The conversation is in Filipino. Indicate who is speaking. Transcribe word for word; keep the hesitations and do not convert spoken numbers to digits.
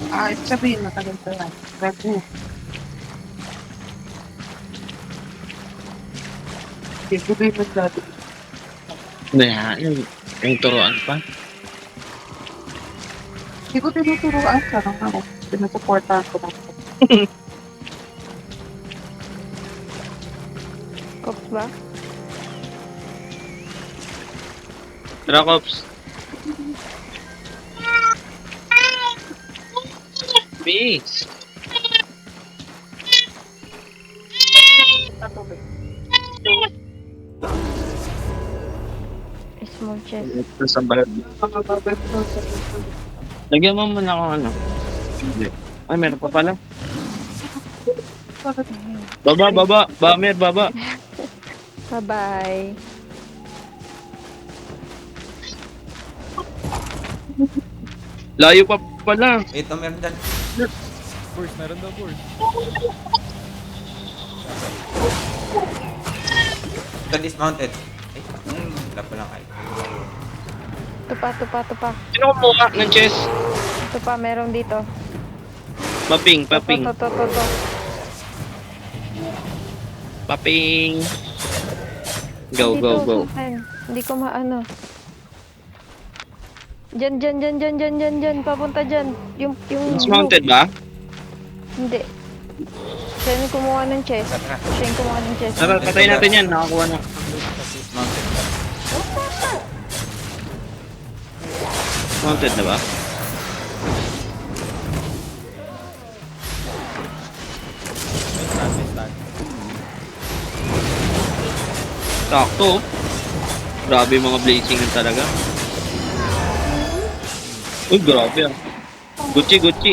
Speaker 1: Ah, ibig sabihin matagal pa yan. Bago. Hindi ko din nagdati.
Speaker 2: Hindi ha, yung, yung turuan pa.
Speaker 1: Hindi ko tinuturuan ka lang ako. Sinusuportahan ko lang.
Speaker 3: Ops ba?
Speaker 2: Tara, Kops. Peace.
Speaker 1: Patubig.
Speaker 3: Small chest.
Speaker 2: Ito sa balad.
Speaker 1: Mga babay ko sa
Speaker 2: Lagyan mo muna akong ano. Hindi. Ay, meron pa pala.
Speaker 1: Bakit?
Speaker 2: Baba, baba. Bamer, baba.
Speaker 3: Bye-bye.
Speaker 2: Layo pa pala.
Speaker 4: Wait, no, meron dyan.
Speaker 5: Burst, meron daw burst.
Speaker 4: Ito dismounted. Ay, hmm, wala pa lang kayo.
Speaker 3: Tupa, tupa, tupa.
Speaker 2: Sino kumuha ng chest?
Speaker 3: Tupa, meron dito.
Speaker 2: Paping, paping.
Speaker 3: To, to, to, to.
Speaker 2: Paping. Go,
Speaker 3: Dito,
Speaker 2: go, go.
Speaker 3: sa akin. Hindi ko maano. Diyan, diyan, diyan, diyan, diyan, diyan, diyan. Papunta diyan. Yung, yung...
Speaker 2: Dismounted ba?
Speaker 3: Hindi. Siya yung kumuha ng chest.
Speaker 4: Tara, tara.
Speaker 3: Siya yung kumuha ng chest.
Speaker 2: Tara, patayin natin yan. Nakakuha na.
Speaker 4: Dismounted.
Speaker 2: Dismounted na ba?
Speaker 5: May stand, may stand.
Speaker 2: Sakto. Grabe yung mga blazing talaga. Uy, grabe ah. Gucci, Gucci.